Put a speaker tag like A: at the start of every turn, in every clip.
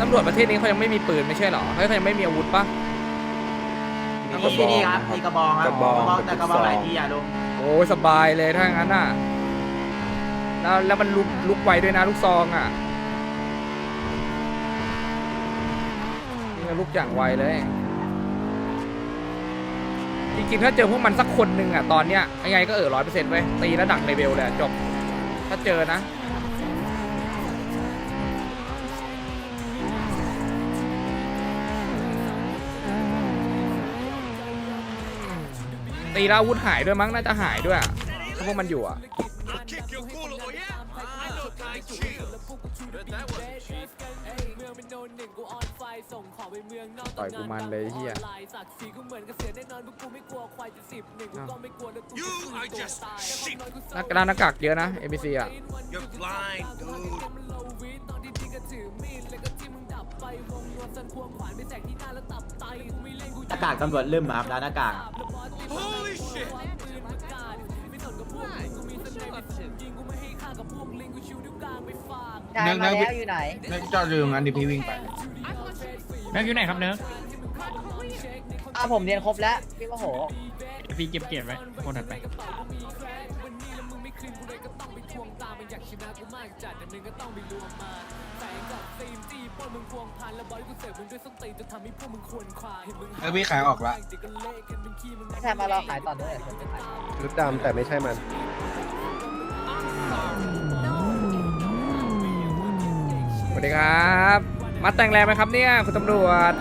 A: ตำรวจประเทศนี้เขายังไม่มีปืนไม่ใช่หรอเขายังไม่มีอาวุธปะ
B: มีนี่ครับมีกระบองครับกระบองแต่กระบองหลายทีอ่ะลุง
A: โอ้ยสบายเลยถ้างั้นน่ะแล้วมันลุกไวด้วยนะลูกซองอ่ะนี่ลุกอย่างไวเลยจริงๆถ้าเจอพวกมันสักคนหนึ่งอ่ะตอนเนี้ยยังไงก็100%เว้ยตีแล้วดักเลเวลเลยจบถ้าเจอนะตีแล้วอาวุธหายด้วยมั้งน่าจะหายด้วยถ้าพวกมันอยู่อ่ะต่อยกูมันเลยเฮียหน้ากากเยอะนะ ABC อ่ะ
B: หน้ากากตำรวจลืมครับแล้วหน้ากาก
C: นายมาแล้วอยู่ไหน
D: นึกจอดอยู่ตรงนั้นดิพี่วิ่งไป
E: เนิร์กอยู่ไหนครับเนิร์ก
C: ผมเรียนครบแล้วพี่ว่าโห
E: พี่เก็บเกียรติไว้คนถัดไป
D: พี่ขายออกละ
C: ไม่ใช่มารอขายต่อด้วย
F: ชุดดำแต่ไม่ใช่มัน
A: สวัสดีครับมาแต่งแรงไหมครับเนี่ยคุณตำรวจ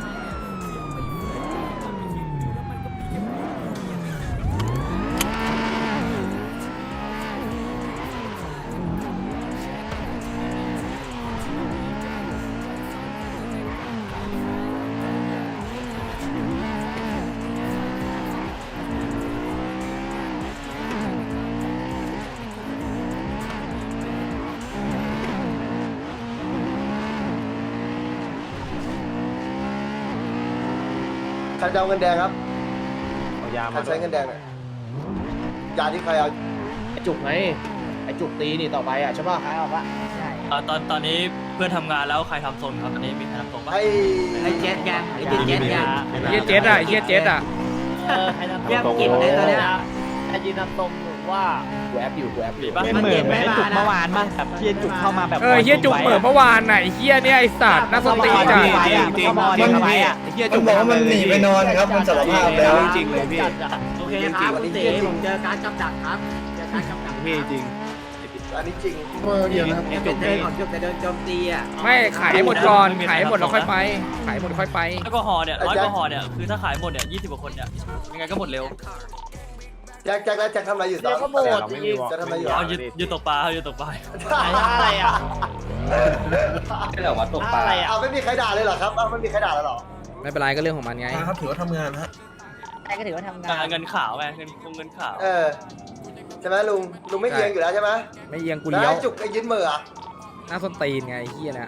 F: ใครจะเอาเงินแดงครับ
D: เอายา
F: ใคร
D: มา
F: ใช้เงินแดงเนี่ยยาที่ใครเอา
G: ไอจุกไงไอจุกตีนี่ต่อไปอ่ะใช่ป่ะ
C: ขายออกละใช่
H: ตอนนี้เพื่อนทำงานแล้วใครทำโซนครับตอนนี้มีใครทำโซนปะ
F: ไอ้
B: ไอ้เจ็ดไงไอ้เจ็ดไง
A: เฮียเจ็ดอ่ะเฮียเจ็ดอ่ะ
C: ใครทำ
B: เรียกกินเลยตอนเนี้ย
C: ใครยืนนำตรงหรือว่า
G: กูแอปอยู่
H: ปะ
B: มันเหมือนไม่จุกเมื่อวาน
E: ที่จุกเข้ามาแบบ
A: เฮียจุกเหมือนเมื่อวานไหนเฮียเนี่ยไอสัตว์น่าสติจัด
D: จริงมันเฮียจุกบอกว่ามันหนีไปนอนครับมันสารภาพแล้วจริงเลยพี่
B: โอเคครับคุณเต๋ผมเจอการจับดักครับเจอการจับดัก
D: พี่จริง
F: อันนี้จริง
D: เดียวนะครับ
B: จุกเดินก่อนจุกจะเดินโจมตีอ่ะ
A: ไม่ขายหมดก่อนขายหมดแล้วค่อยไปขายหมดค่อยไป
H: ร้อยกว่าห่อเนี่ยคือถ้าขายหมดเนี่ย20กว่าคนเนี่ยยังไงก็หมดเร็ว
F: แจ็คแล้วแจ็คทำอะไรอยู่ตอ
C: เดี๋ย
F: น
C: วก็หมดจริง
F: จะทำอะไรอยู่
H: เอายืนตกปลายืนตกปลา
C: อะไรอ่ะ
G: ไม่เหรอวะตกปลา
C: อะไรอ่ะ
F: เอาไม่มีใครด่าเลยเหรอครับเอาไม่มีใครด่าเลยเหรอ
A: ไม่เป็นไรก็เรื่องของมันไง
D: ครับถือว่าทำงานฮะ
C: ใครก็ถือว่าทำงาน
H: เงินขาวไงเงินขาว
F: ใช่ไหมลุงไม่เอียงอยู่แล้วใช่ไหม
A: ไม่เอียงกู
F: แล้ว
A: เลี้ยว
F: ไอ้จุกไอ้ยืนมืออ่ะ
A: หน้าส้นตีนไงไอ้เฮียเนี่ย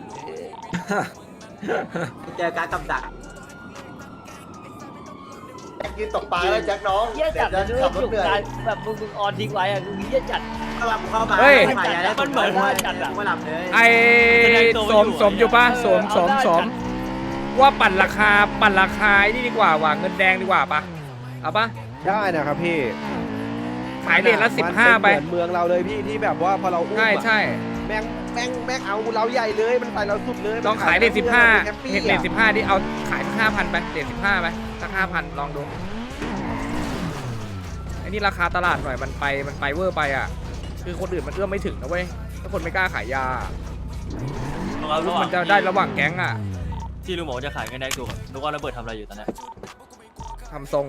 B: เจอการจับดัก
F: แจ็คยืนตกปลาแล้วแจ็คน้อง
C: เฮียจัด
F: เดี๋
C: เลย
F: วย จะขับรถ
C: จุก
F: เหนื่อย
C: การแบบมึงออนทิ้งไว้อ่ะเฮียจัด
B: เข้ามา
A: เฮ้ย
B: ใหม่แล้วมันเหมือนว่าจัดดักไม่หลับเลย
A: ไอสมอยู่ปะสมว่าปั่นราคานี่ดีกว่าว่ะเงินแดงดีกว่าปะเอาปะ
F: ได้นะครับพี่
A: ขายเหรียญละ15ไป
F: เหมือนเมืองเราเลยพี่ที่แบบว่าพอเราอุ้ม
A: ใช่
F: แม่งเอาเราใหญ่เลยมันใส่เราสุดเลย
A: ลองขายเหรียญ15เหรียญ15ที่เอาขายสัก5,000ไปเหรียญ15ไปสัก5,000ลองดูไอ้นี่ราคาตลาดหน่อยมันไปเวอร์ไปอ่ะคือคนอื่นมันเอื้อมไม่ถึงนะเว้ยถ้าคนไม่กล้าขายยามันจะได้ระหว่างแก๊งอ่ะ
H: ที่ลุงบอกจะขายเงินได้ถูกนึกว่าระเบิดทำอะไรอยู่ตอนนี้
A: ทำทรง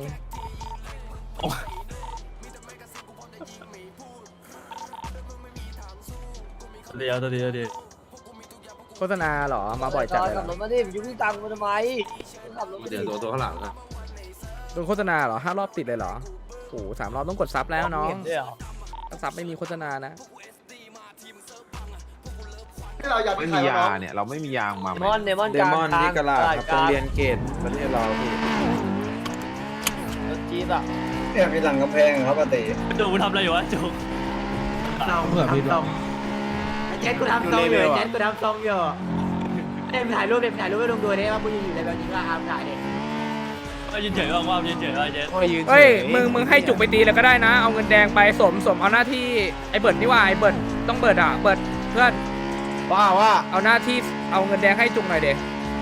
H: เดียว
A: โฆษณาเหรอมาบ่อยจัดเลยเหร
C: ขั
A: อบ
C: รถมาดิยุ่งตังค์มาทำไมขับรถมาดิ
D: ตัวข้างหลังอะ
A: โดนโฆษณาเหรอ5 รอบติดเลยเหรอโอ้โห3 รอบต้องกดซับแล้วน้อง
C: เห็นด้วยเหรอ
A: ถ้าซับไม่มีโฆษณานะ
F: ที่เราอยาก
D: ไม่
F: ข
D: มี
F: ย
D: ยา
F: น้อง
D: เนี่ยเราไม่มียางมา
C: เดมอน
F: เดมอนนี่กะลาครับโรงเรียนเกตประเทศเราพี่
C: รถจี๊ปอ่ะ
F: เนี่ยมีหลังกำแพงครับอาเต้
H: จุกทำอะไรอยู่วะจุก
B: ทำทรงไอ้เจ็ดกูทำทรงอยู่ไอ้เจ็ดกูทำทรงอยู่ถ่ายรูปให้ลุงดูดิว่ามึงอยู่ในแบบนี้ก็ถ่ายดิ
H: ยืนเฉยว่างๆยืนเฉยว่าเจ๊
A: เฮ้ยมึงให้จุกไปตีแล้วก็ได้นะเอาเงินแดงไปสมเอาหน้าที่ไอ้เบิร์ดนี่ว่าไอ้เบิร์ดต้องเบิร์ดอ่ะเบิร์ดเพื่อน
G: ว่า
A: เอาหน้าที่เอาเงินแดงให้จุกหน่อยเด็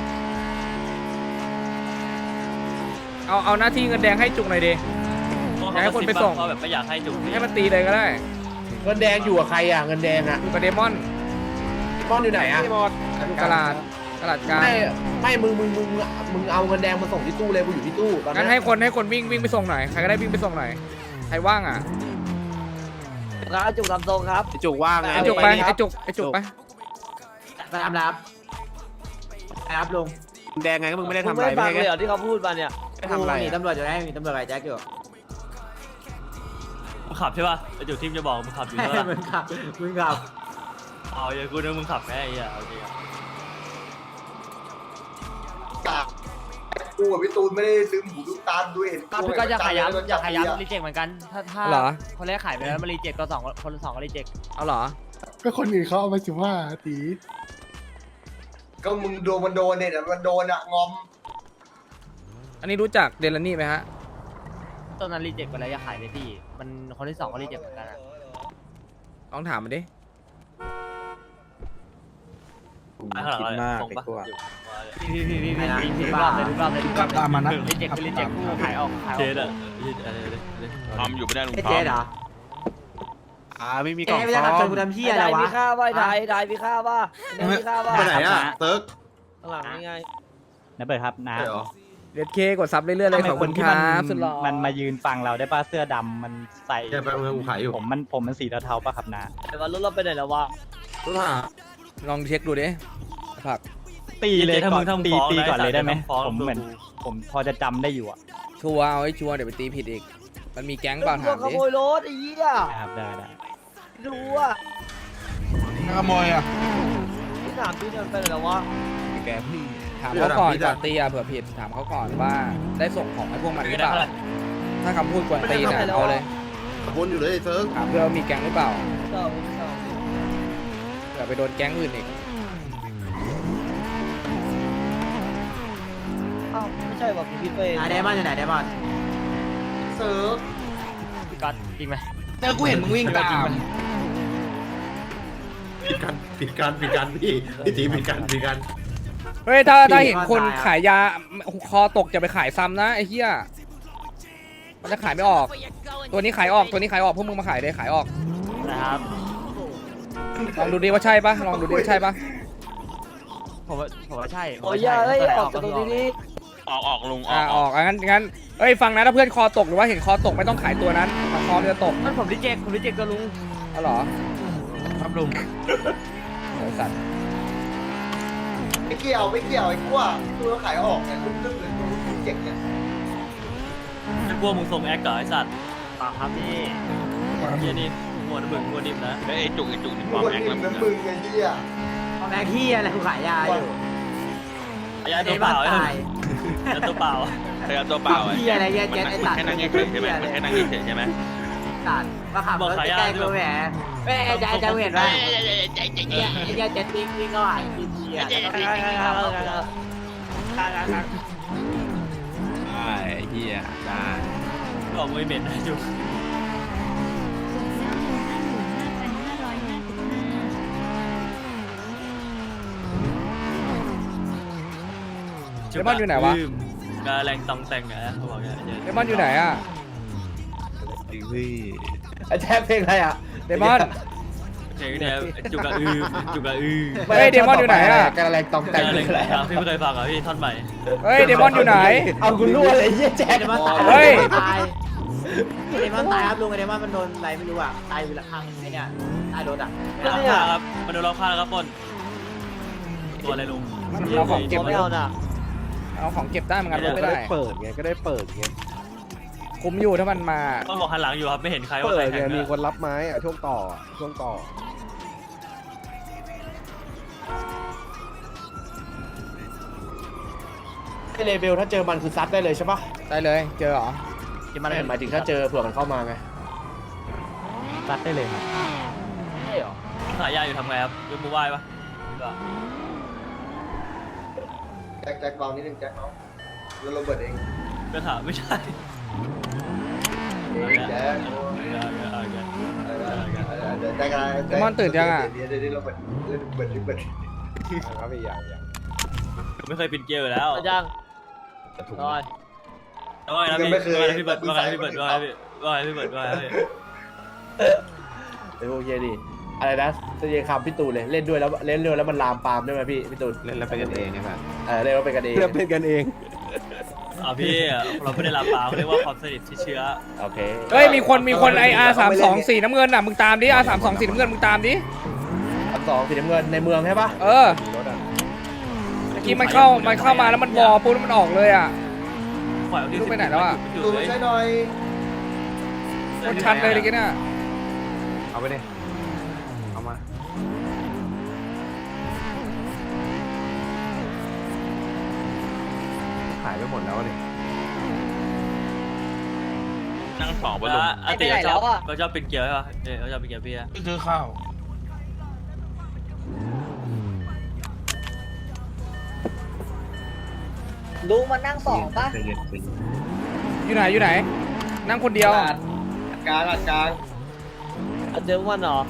A: เอาหน้าที่เงินแดงให้จุกหน่อยเด็ ให้คนไปส่ง
H: เพราะแบบไม่อยากให้จุก
A: ให้มันตีเลยก็ได้
G: เงินแดงอยู่กับใครอ่ะเงินแดงอ่ะ
A: อยู่กับเดมอน
G: ก้อนอยู่ไหนอ่ะ
A: อยู่กลาดกลาง
G: ไม่มึงเอาเงินแดงมาส่งที่ตู้เลยกูอยู่ที่ตู้ตอน
A: งั้น
G: นี้
A: ให้คนวิ่งไปส่งหน่อยใครก็ได้วิ่งไปส่งหน่อยใครว่างอ่ะ
C: ครับจุกลำทรงครับ
D: จุกว่างไง
A: ไอ้จุกไปไอ้จุกไป
B: ไปทำรับลุง
D: แดงไงก็มึงไม่ได้ทำอะไร
C: ไม่ฟัง
D: ไม่
C: เลย
D: ให้
C: เหรอที่เขาพูดมาเนี่ย
D: ทำอะไร
B: มีตำรวจอยู่ไหมมีตำรวจอะไรแจ็คอยู่
H: มึงขับใช่ป่ะไอ้จุกทีมจะบอกมึงขับอยู่ใช่ป่ะ
B: มึงขับ
H: เอาอย่ากูนึกมึงขับแม่ไอ้เหี้ยเอาจริง
I: กูกับพี่ตูนไม่ได้ลืมหูลืมตาดูเห็น
C: ครับพี่ก็จะขยับรีเจ็คเหมือนกันถ้า
A: เหรอ
C: คนแรกขายไปแล้วมารีเจ็คก็คนสองก็รีเจ็ค
A: เอาเหรอ
F: ก็คนอื่นเขาเอาไป15 ตี
I: ก็มึงโดนมันโดนเนี่ยแต่มันโดนอะงอม
A: อันนี้รู้จักเดลนี่ไหมฮะ
C: ตอนนั้นรีเจ็คไปแล้วอย่าขายเลยพี่มันคนที่สองก็รีเจ็คเหมือนกันอะ
A: ลองถามมันดิ
D: คิดมาก
H: ส่ง
D: ไอ้
H: ปะ
D: ตัว
C: พี่รอบเลยตามมานะรีเจ็คขายออก
H: เจ๊อะ
J: ทำอยู่ไม่ได้ลุง
B: ไอ้
J: ท
B: เจ๊เหรอ
D: ไม่มีกล่อง
B: ไม่ได้
D: ซ่
B: ขับช
D: อน ม
B: กูทำพี่อะไรวะ
C: มีค่าว่าได้มีค่าว่ามีค่าว่า
D: ไปไหนอ่ะเติร์ก
C: ข้างหลังนี่ไง
E: นะเบิร์ดครับนะ
D: ใช่เหรอ
A: เดดเคกดซับเรื่อยๆเลยขอบคุณครับสุดหล่อ
E: มันมายืนฟังเราได้ป่ะเสื้อดำมันใส่
D: แกไปเมืองกูขายอยู่
E: ผมมันสีเทาๆป่ะครับนะ
C: แต่ว่ารถเราไปไหนแล้ววะ
D: รู้ป่ะ
A: ลองเช็คดูดิผัก
E: ตีเลยก่อนตีก่อนเลยได้ไหม
H: ฟ้อง
E: ผมเหมือนผมพอจะจำได้อยู่อ่ะ
A: ชัวร์เอาให้ชัวร์เดี๋ยวไปตีผิดอีกมันมีแก๊งเปล่าถาม
C: ข
A: ดิ
C: โมยรถไอ้เหี้ย
E: ครับได้
C: ดูอ่ะ
D: ขโมยอ่ะ
C: ที่ถามพี่เดินไปไหนแล้ววะ
D: แกพี่
A: ถามเขาก่อนก่อนตีอ่ะเผื่อผิดถามเขาก่อนว่าได้ส่งของให้พวกมันหรือเปล่าถ้าคำพูดกวนตีนอ่ะเอาเลย
D: วนอยู่เลยเติร์ก
A: ถามเพื่อว่ามีแก๊งหรือเปล่า
C: ต่อ
A: เผื่อไปโดนแก๊งอื่นอีก
C: อ้าวไม่ใช่แบบพี่ไป
B: ไดมอนอยู่ไหนไดมอน
I: เซิร์ฟ
C: พี่ก๊อตจริงไหม
D: เติร์กกูเห็นมึงวิ่งตามผิดกันพี่พี่ตีผิดกัน
A: เฮ้ยถ้าเห็นคนขายยาคอตกจะไปขายซ้ำนะไอ้เหี้ยมันจะขายไม่ออก ตัวนี้ขายออกพวกมึงมาขายเลยขายออก
C: นะครับ
A: ลองดูดิว่าใช่ปะลองดูดิว่าใช่ปะ
C: ผมว่าใช่โอ้ยเอ้ยออกจากตรงนี้
J: ออกลุงอ
A: อ
J: อก
A: อกงั้นเอ้ยฟังนะถ้าเพื่อนคอตกหรือว่าเห็นคอตกไม่ต้องขายตัวนั้นถ้าคอมันจะตก
C: นั่นผมรีเจ็คตัวลุง
A: เอาเหรอ
E: ครับลุง
A: โหสัตว์
I: ไม่เกี่ยวไอ้กูว่าตัวขายออกเนี่ยลึกๆเลยตัวเจ็บเนี่ย
H: ไอ้พวกมึงส่งแอคกับไอ้สัตว์
C: ครับพี่
H: เฮียนี่หัวน้ำมึงหัวนิ่มนะ
J: ไอ้จุกนี่
I: มึ
J: ควาง ม
I: คน
J: แอค
I: อื่
J: แล้ว
I: น
J: มึ
I: นะ
J: ง
I: มึงไอ้เหี้ย
B: แม่ขี้อะไรกูขายยาอยู่
H: ไอ้ยาตัวเปล่า
B: ตาย
H: ไอ้ตัวเปล่า
J: พยายามตัวเปล่า
B: ขี้อะไรเงี้ยเจ๊ไอ้ตัด
J: แค่นั่งเฉยใช่ไหมแค่นั่งเฉยใช่ไหม
B: ตัดมาขับรถใกล้ๆกูแหมแม่ใจเห็นว่าไอ้เหี้ยเจ็ดวิ่งก็หายกินเชียร์แล้วก็วิ่งขับรถ
D: เฮียได้
H: บอกมือเหม็นนะจุก
A: เดมอนอยู่ไหนวะ
H: กาแรงตองแต่งอะเขาบอกอย่างเงี้ย
A: เดมอนอยู่ไหนอ่ะ
D: พี่
G: ไอ้แจ๊บเพลงอะไรอ่ะ
A: เดมอน
H: เจ๊เนี่ยจุกกระอือจุกกระอือ
A: เฮ้ยเดมอนอยู่ไหนอ่ะ
G: กระแรงตองแต่ง
H: อะไร
G: อะไร
H: พี่ไม่เคยฟังเหรอพี่ท่อนใหม่
A: เฮ้ยเดมอนอยู่ไหน
G: เอาคุณรั่วเลยเยี่ยแจ๊บ
B: เดมอนตาย
A: เฮ้ย
B: ตายเดมอนตายครับลุงเดมอนมันโดนอะไรไม่รู้อ่ะตายอยู่ละข้างไอ้เนี่ยตายโดนอ่ะ
H: รอบข้างครับมาดูรอบข้างแล้วครับปนตัวอะไรลุง
A: เอาของเก็บ
C: ไม่เอาน่ะ
A: เอาของเก็บได้เหมือนกันรถไม่ได้
D: เปิดไงก็ได้เปิดไง
A: คุมอยู่ถ้ามันมา
H: ต้องบอกหันหลังอยู่ครับไม่เห็นใครว่า
D: เปิ
H: ใคร
D: ด
H: แข่
D: ไง
H: ง
D: มี
H: นะ
D: คนรับไม้อ่ะช่วงต่อ
G: ไอเลเบลถ้าเจอมันคือซัดได้เลยใช่ปะ
A: ได้เลยเจอเหรอ
G: ที่มันหมายถึงถ้าเจอเผื่อมันเข้ามาไง
E: ซัดได้เลยครับ
G: ใช่หรอ
H: ขายยาอยู่ทำไงครับยกมือไหว้ปะ
I: แจ็คเบานิดนึงแจ็คเบาแล้วโรเบิร์ตเอง
H: ก็ถามไม่ใช่
I: แจ็ค
A: เดมอนตื่นยังอ่ะ
I: เดี๋ยวโรเบิร์ตครับพี่อย่าง
H: ไม่เคยปินเกลียวอยู่แล้ว
C: ยังรอย
H: ว่าไงนะพี่เบิร์ดว่าไงพี่เบิร์ดว่าไงพี่เบิร์ดว่าไงพี่
G: ไอ้พวกเยดีอะไรนะจะเยคำพี่ตูนเลยเล่นด้วยแล้วมันลามปามได้ไหมพี่ตูนเล่นแล้วเป็นกันเองใช่ไหมเล่นแล้วเป็นกันเองเป็นกันเอง
H: พี่เราไม่ได้ลาปาเขาเรียกว่าความสนิทที่เชื้อ
G: โอเค
A: เฮ้ยมีคนไอR32สีน้ำเงินอ่ะมึงตามดิ R32สีน้ำเงินมึงตามดิ
G: 2สีน้ำเงินในเมืองใช่ปะ
A: เออเมื่อกี้มันเข้ามาแล้วมันวอปุ๊บแล้วมันออกเลยอ่ะ
H: ปล่อยเอาที่
A: ลูกไปไหนแล้วอะ
I: ตูใช่หน่อย
A: โคตรชัดเลยเมื่อกี้น่ะ
E: เอาไปดิเอามา ขายไปหมดแล้วเลย
J: นั่งสองบนลุง
H: อาติเขาชอบเป็นเกลียวใช่ป่ะเขาชอบเป็นเกลียวพี่อะ
F: ซื้อข้าว
B: ลุงมานั่งสองป่ะ
A: อยู่ไหนนั่งคนเดียว
I: กลางกลาง
C: เจอวันเหรอ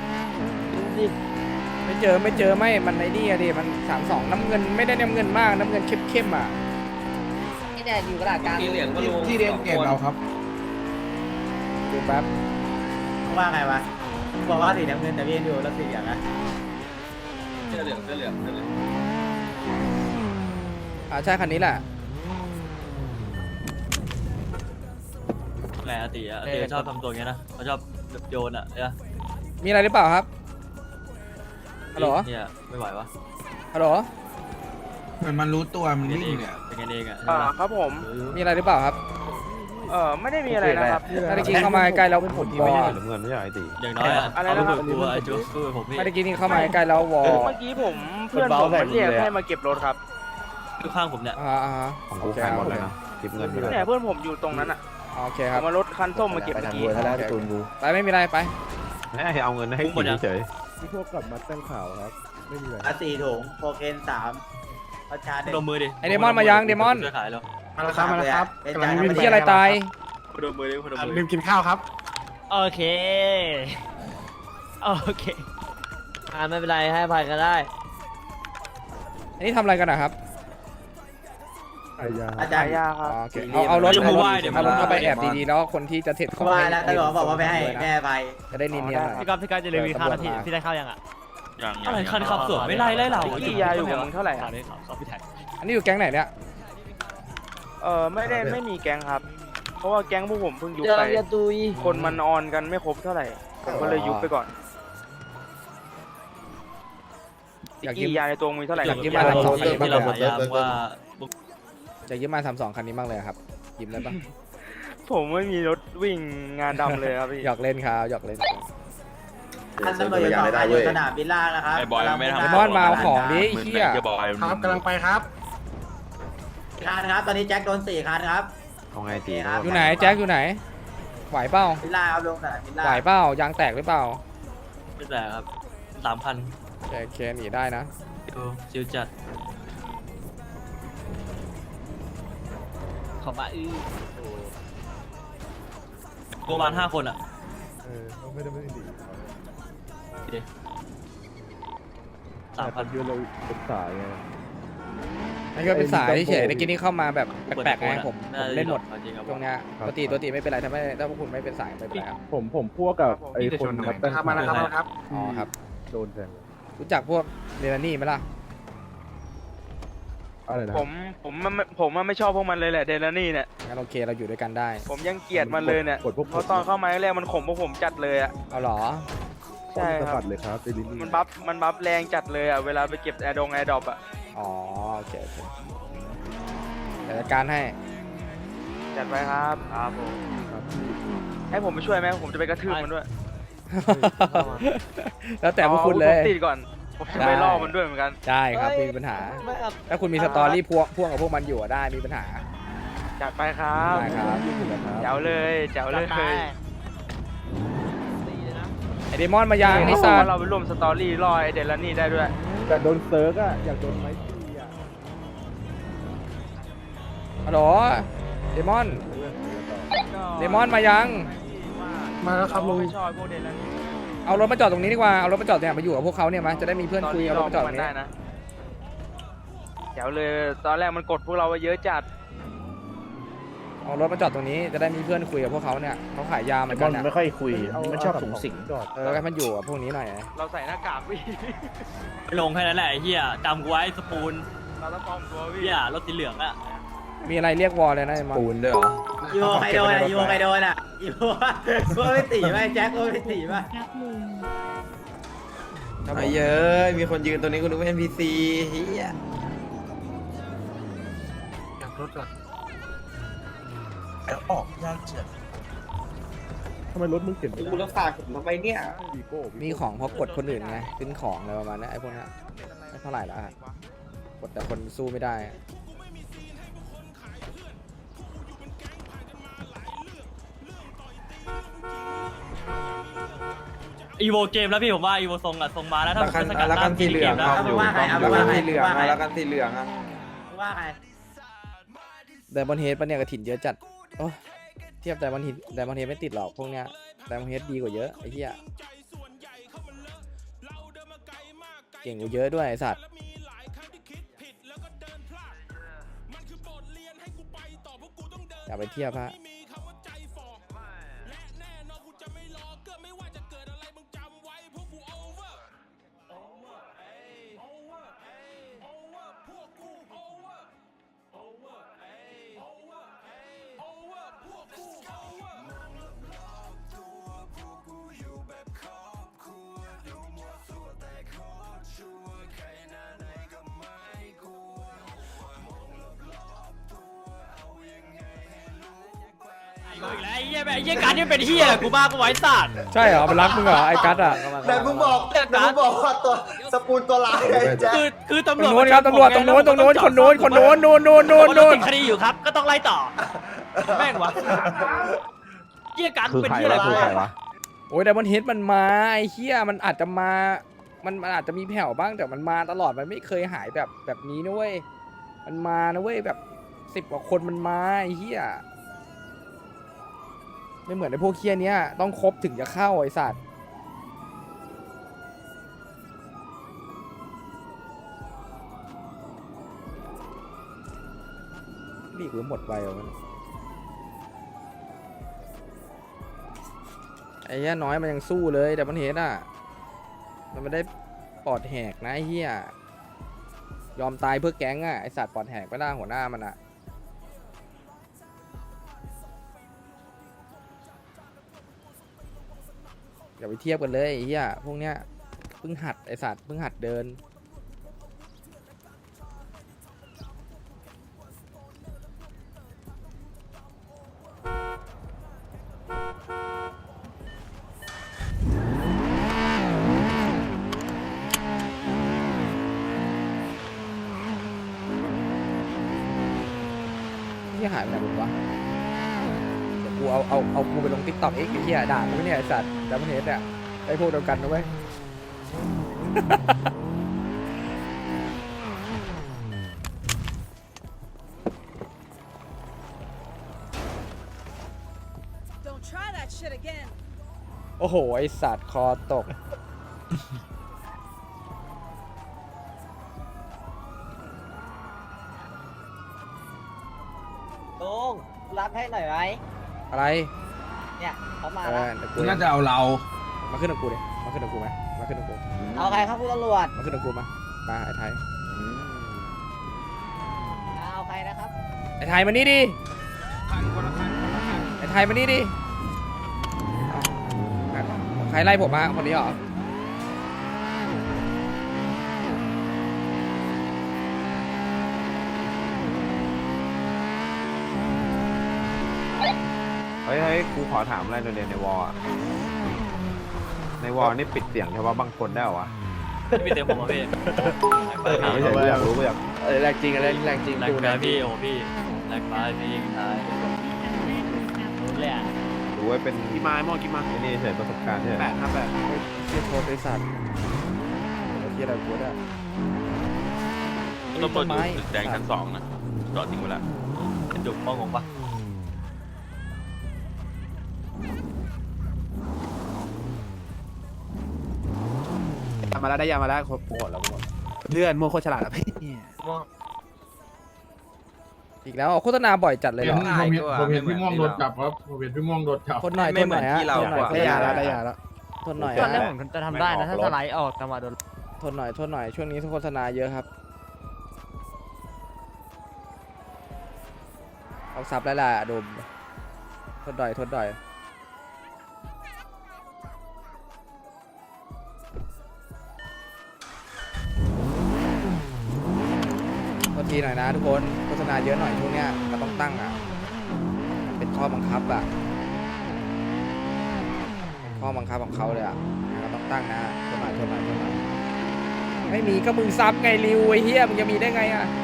A: ไม่เจอไม่มันไอ้นี่อะดิมัน32น้ำเงินไม่ได้น้ำเงินมากน้ำเงินเข้มๆอ่ะ
B: นี่เนี่ยอยู่กระดาษกลาง
F: ที่เรียนเกมเราครับ
A: ดูแป๊บ
G: ว่าไงวะบอกว่าสีน้ำเงินแต่พี่ดูแล้วสีอย่างนะ
I: เสื้อเหลือง
A: ใช่คันนี้แหละ
H: แหมอาติชอบทำตัวอย่างนี้นะเขาชอบโยนอะเนี่ย
A: มีอะไรหรือเปล่าครับฮัลโหล
H: เนี่ยไม่ไหววะ
A: ฮัลโหล
F: เหมือนมันรู้ตัวมันวิ่งเนี่ย
H: เป็นกันเองอะ
F: ครับผม
A: มีอะไรหรือเปล่าครับ
F: ไม่ได้มีอะไรนะครับ
A: เมื่อกี้เข้ามาใกล้แล้วผมวอ
H: อย่างน้อยอะเอาไปฝึกตัวไอ้จูสู้ผมพี่
A: เมื่อกี้นี่เข้ามาใกล้แล้ววอ
F: เมื่อกี้ผมเพื่อนผมมันเรียกให้มาเก็บรถครับ
H: ทุกข้างผมเนี่ย
A: ของกูขายหมดเลยนะ
F: เนี่ยเพื่อนผมอยู่ตรงนั้นอ่ะ
A: โอเคค
F: เอา
A: รับ
F: มารถคันส้มมาเก็บเมื่อกี้
A: ไปไม่มีอะไรไป
E: เอาเงินให้
H: หมดยัง
E: ที่พวกกลับมาตั้งข่าวครับ ไม่มีอะไร
G: 4 ถุงโคเคน3ประชา
H: ดมมือดิ
A: ไอเดมอนมายังเดมอน
H: ช่วยขายแล้ว
F: มาแล้วครับกำลัง
A: เป็นที่อะไรตาย
H: ดมมือดิดมมือ
F: ลืมกินข้าวครับ
C: โอเคไม่เป็นไรให้อภัยกันได้
A: อันนี้ทำอะไรกันนะครับ
G: อาจารย์ยาครับ
A: โอเคเอารถเข้าไปแอบดีๆแล้วคนที่จะเสร็จของ
G: ว่าแล้วตำรวจบอกว่าไม่ให้แม่ไป
A: จะได้เนียนๆหน่อย
C: พี่ก๊อฟจะรีวิวข้าวนาทีพี่ได้ข้าวยังอ่ะ
H: อะไรคันขับสวนไม่ไล่เรา
F: พี่ยาอยู่กับมึงเท่าไหร่
C: ข่าวนี้ข่าวพี่แท็ก
A: อันนี้อยู่แก๊งไหนเนี่ย
F: ไม่มีแก๊งครับ เพราะว่าแก๊งพวกผมเพิ่งยุบ
C: เจอ
F: ไป
C: เรียนตุย
F: คนมันออนกันไม่ครบเท่าไหร่ผมก็เลยยุบไปก่อน
A: อยากยื
F: กี่
A: ม
F: ยาในตัวมีเท่าไหร่
A: อยากยืมมาทำสองคันนี้
H: ที่เราพยายามว่า
A: จะยืมมา32คันนี้บ้างเลยครับยืมได้ปะ
F: ผมไม่มีรถวิ่งงานดำเลยครับพี่
A: หยอกเล่นครับหยอกเล่น
G: ท่านตำรวจอยู่สนามบินล่างนะครับ
J: ไอ้บอยมันไม่ทำ
A: ไอ้บอยมาเอาของดิ ไอ้เหี้ย
J: จะบอก
F: ครับกำลังไปครับ
G: คันครับตอนนี้แจ็คโดน4 คันครับ
E: เอาไงตี
A: อยู่ไหนแจ็คอยู่ไหนไหวเปล่า
G: บินล่างครับลงสนามบินล่าง
A: ไหวเปล่ายางแตกหรือเปล่า
H: ไม่แต่ครับ3,000
A: เคหนีได้นะ
H: ชิวจัด
C: ของมา
H: ประมาณ5 คนอ่ะ
E: ไม่ได้ดี
H: 3,000
E: ยืนเราเป็นสายไง
A: นี่ก็เป็นสายเฉยๆในกินนี่เข้ามาแบบแปลกๆไงผมเล่นหมด
H: จริงครับ
A: ตรงเนี้ยตัวตีไม่เป็นไรถ้าพวกคุณไม่เป็นสายไม่เป็นไรครับ
E: ผมพวกกับไอ้คนครับตั้ง
F: มาแล้วครับ
A: อ๋อครับ
E: โดนแทง
A: รู้จักพวกเรนนี่ไหมล่ะ
E: อะไรนะ
F: ผมไม่ชอบพวกมันเลยแหละเดลนี่เนี่ย
A: งั้นโอเคเราอยู่ด้วยกันได้
F: ผมยังเกลียดมันเลยเนี่ย
E: กดพวก
F: เพราะตอนเข้ามาแรกมันข่มพวกผมจัดเลยอ่ะ
A: เอาเหรอ
F: ใช่ครับ
E: สะบัดเลยครับไอ้ลิลลี่
F: มันบัฟแรงจัดเลยอ่ะเวลาไปเก็บแอร์ดรอปอ่ะ
A: อ๋อโอเคเดี๋ยวจัดการให้
F: จัดไปครับครับผมให้ผมไปช่วยไหมผมจะไปกระทืบมันด้วย
A: แล้วแต่พวกคุณเลย
F: ผมติดก่อนผมจะไปล่อมันด้วยเหมือนกัน
A: ได้ครับไม่มีปัญหา ถ้าคุณมีสตอรี่พ่วงกับพวกมันอยู่อะได้มีปัญหา
F: จัดไปครับ
A: ได้ครับ
F: แจ๋วเลยแจ๋วเลย
A: ไอเดมอนมายังไอ
F: เพ
A: ซา
F: ราะว่าเราไปร่วมสตอรี่ล่อไอเดลนี่ได้ด้วย
E: แต่โดนเซิร์กอะอยากโดนไม้ตีอะ
A: ฮัลโหลเดมอนเดมอนมายัง
F: มาแล้วครับลุงชอบพวกเดนนั้น
A: เอารถมาจอดตรงนี้ดีกว่าเอารถมาจอดเนี่ยมาอยู่กับพวกเขาเนี่ยมาจะได้มีเพื่อนคุยเอารถมาจอดตรงนี้
F: ได้นะเดี๋ยวเลยตอนแรกมันกดพวกเราไปเยอะจัด
A: เอารถมาจอดตรงนี้จะได้มีเพื่อนคุยกับพวกเขาเนี่ยเขาขายยาเหมือน
G: บ
A: กั
G: อน ล
A: เนี่ย
G: ไม่ค่อยคุยมันชอบสูงสิง
E: จอด
A: แล้วก็มันอยู่กับพวกนี้หน่อย
F: เราใส่หน้ากากพี่
H: ลงแค่นั้นแหละไอ้เหี้ยจำกูไว้สปูน
F: เราต้องปลอมตัวพี่
H: เหี้ยรถสีเหลืองอะ
A: มีอะไรเรียกวอลเลยนะไอ้มอน
D: ปูนด้วยเหรอ
B: อีโวใครโดนอ่ะอีโวใครโดนอ่ะอีโวไม่ตีไหมแจ็คไม่ตีไหม
D: ไอ้เยอะมีคนยืนตรงนี้กูนึกว่า NPC เฮีย
E: ทำไมรถมึงเข็นไม่
D: กู
E: ได้
D: รักษาผมทำไมเนี่ย
E: วีโก้
A: มีของเพราะกดคนอื่นไงขึ้นของอะไรประมาณนี้ไอ้พวกนี้ไม่เท่าไหร่ละกดแต่คนสู้ไม่ได้
H: อีโวเกมแล้วพี่ผมว่าอีโวทรงอะทรงมาแล้วถ้า
D: แล้วกันสีเหลือง
B: เอาไปว่าใครเอาไปว่าใคร
D: สีเหลือง
B: ว่าใคร
D: แล้วกันสีเหลืองอ่ะ
B: ว่าใคร
A: ไดมอนด์เฮดปะเนี่ยกระถิ่นเยอะจัดโอ้เทียบไดมอนด์เฮดไม่ติดหรอกพวกเนี้ยไดมอนด์เฮดดีกว่าเยอะไอ้เหี้ยเก่งกว่าเยอะด้วยไอ้สัตว์อย่าไปเทียบฮะ
H: อีกแล้วไอ้เหี้ยแบบไอ้เหี้ยการนี่เป็นเหี้ยกูบ้ากูไว้สัตว์
A: ใช่เหรอมันรักมึงเหรอไอ้กัสอ่ะ
I: แต่มึงบอกว่าตัวสปูนตัวร้ายไอ้แจ็ค
H: คือ
A: ต
H: ตำ
A: ร
H: รง วจ
A: โน้นครับตำรวจตรงโน้นคนโน้นคนโน้นคนโน้นนู่น
H: ติดคดีอยู่ครับก็ต้องไล่ต่อแม่งวะเหี้ยการเป็นเหี้ยอะไรกู
A: โอ้ยไดมอนด์เฮดมันมาไอ้เหี้ยมันอาจจะมามันอาจจะมีแผ่วบ้างแต่มันมาตลอดมันไม่เคยหายแบบนี้นะเว้ยมันมานะเว้ยแบบ10 กว่าคนมันมาไอ้เหี้ยไม่เหมือนไอ้พวกเคี้ยเนี้ยต้องครบถึงจะเข้าไอ้สัตว์นี่กูหมดไปแล้วมันไอ้เหี้ยน้อยมันยังสู้เลยแต่มันเห็นอ่ะมันไม่ได้ปอดแหกนะไอ้เหี้ยยอมตายเพื่อแก๊งอ่ะไอ้สัตว์ปอดแหกไม่ได้หัวหน้ามันอ่ะอย่าไปเทียบกันเลยไอ้เหี้ยพวกเนี้ยเพิ่งหัดไอ้สัตว์เพิ่งหัดเดินที่หายไปไหนหมดวะเดี๋ยวกูเอากูไปลงติ๊กต็อกเองไอ้เหี้ยด่ากูเนี่ยไอ้สัตว์ดับเบิลเฮดเนี่ยไอ้พวกเดียวกันนะเว้ย โอ้โหไอสัตว์คอตก
B: ลุงรับให้หน่อยไหม
A: อะไร
B: เนี่ยเขามา
A: เอ
B: แล้ว
A: อเดี๋ยวกู
C: น่าจะเอาเรา
A: มาขึ้นกับกูดิมาขึ้นกับกูไหมมาขึ้นกับกู
B: เอาใครครับคุณตำรวจ
A: มาขึ้นกับกูมาไอ้ไทย
B: เอาใครนะครับ
A: ไอ้ไทยมานี่ดิไอ้ไทยมานี่ดิอ้าวใครไล่ผมมาคนนี้เหรอ
E: เฮ้ยกูขอถามอะไรหน่อยในวอลในวอลนี่ปิดเสียงเฉพาะบางคนได้เหรอวะ
H: พี่เต็มผมอ่ะพี่
E: ถามไม่ใช่กูอยากรู้กูอยาก
G: แรงจริงอะไรแรงจริง
H: แรงไปพี่โอ้พี่แรงไปพี่ตายรู้เลยอ่ะ
E: รู้ว่าเป็น
C: กี่ไม้มองกี่ไม้
E: ไอ้นี่เฉยประสบการณ์ใช่ไหม
A: เทียบโทษไอ้สัตว์เทียบอะไรกูได้
J: ตำรวจอยู่ตึกแดงชั้น2นะจอดทิ้งไว้แล้ว
H: จุกมองงปะ
G: มาแล้วได้ยามาแล้วโหดแล้วเลื่อนโมโคฉลาดแล้วพี่
A: อีกแล้วโฆษณาบ่อยจัดเลยเหรอ
E: ผมเห็นพี่ม่วงโดนจับครับผมเห็นพี่ม่วงโดนจับ
A: ทนหน่อยทนหน่อยฮะทนหน่อย
G: ได้ยาแล้วได้ยาแล้ว
A: ทนหน่อย
C: ตอนแรก
A: ฮะ
C: ผมจะทำได้นะถ้าสไลด์ออกจังหวะโดน
A: ทนหน่อยทนหน่อยช่วงนี้โฆษณาเยอะครับเอาซับแล้วล่ะดมทนหน่อยทนหน่อยโทษทีหน่อยนะทุกคนโฆษณาเยอะหน่อยช่วงเนี้ยเราต้องตั้งอ่ะเป็นข้อบังคับอ่ะเป็นข้อบังคับของเขาเลยอ่ะเราต้องตั้งนะทนหน่อยทนหน่อยทนหน่อยไม่มีก็มึงซับไงริวไอ้เหี้ยมึงจะมีได้ไงอ่ะ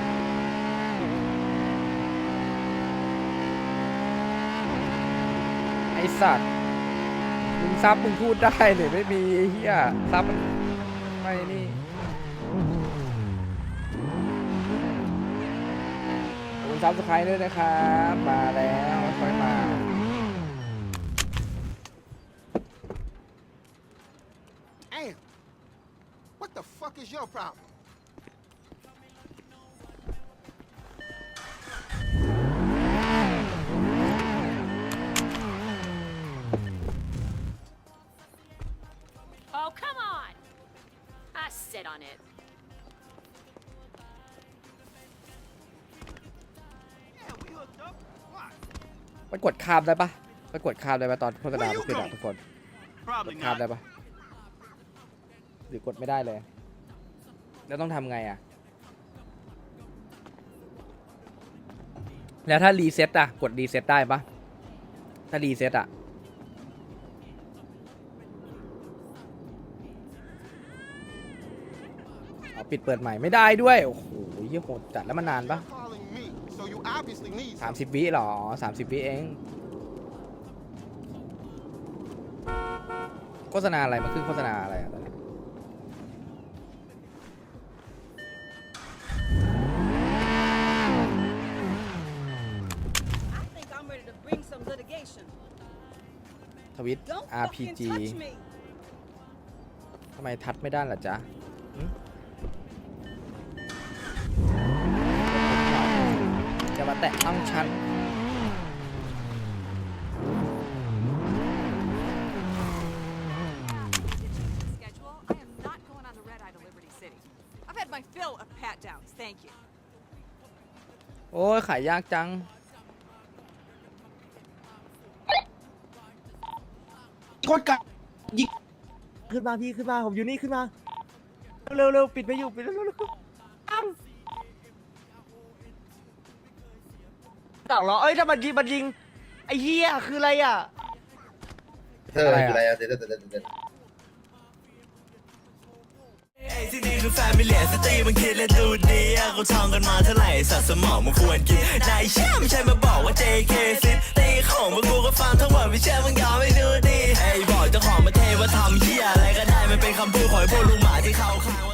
A: ไอสัตว์มึงซับมึงพูดได้หรือไม่มีไอ้เหี้ยซับมันไม่นี่ขอบคุณซับสไครต์ด้วยนะครับมาแล้วค่อยมา
I: What the fuck is your problem?
K: Oh, come on! I sit on it.
A: ไปกดข้ามได้ปะไปกดข้ามได้ปะตอนโฆษณาขึ้นอ่ะทุกคนกดข้ามได้ปะหรือกดไม่ได้เลยแล้วต้องทำไงอ่ะแล้วถ้ารีเซ็ตอ่ะกดรีเซ็ตได้ปะถ้ารีเซ็ตอ่ะเอาปิดเปิดใหม่ไม่ได้ด้วยโอ้โหเหี้ยโหดจัดแล้วมันนานปะ
I: Calling me, so you obviously need
A: 30 วิหรอ30 วิเองโฆษณาอะไรมันขึ้นโฆษณาอะไรอ่ะตอนนี้
K: I think I'm ready to bring some litigation.
A: ทวิต
K: Don't
A: RPG
K: fucking touch me.
A: ทำไมทัดไม่ได้ล่ะจ๊ะหึจะมาแตะต้องฉัน
K: Schedule. I am not going on the red eye to Liberty City. I've had my fill of pat downs. Thank you.
A: โอ้ยขายยากจัง
G: คนกัดยิงขึ้นมาพี่ขึ้นมาผมอยู่นี่ขึ้นมาเร็วปิดไปอยู่ปิดเร็วต่างเหรอเอ้ยถ้ามันยิงไอ้เหี้ยคืออะไรอ่ะ
A: อะไรอะ
D: อะไรอะเด็ด
C: ที่นี่คือแฟมิเลียสตรีมันคิดและดูดีเขาท่องกันมาเท่าไหร่สัตว์สมองมันควรกินนายเชื่อไม่ใช่มาบอกว่า JK ซิตีของพวกกูก็ฟังทั้งหมดไม่เชื่อมึงยอมไม่ดูดีไอ้บอกเจ้าของประเทศว่าทำเหี้ยอะไรก็ได้มันเป็นคำพูดของพวกลุงหมาที่เขาข้าง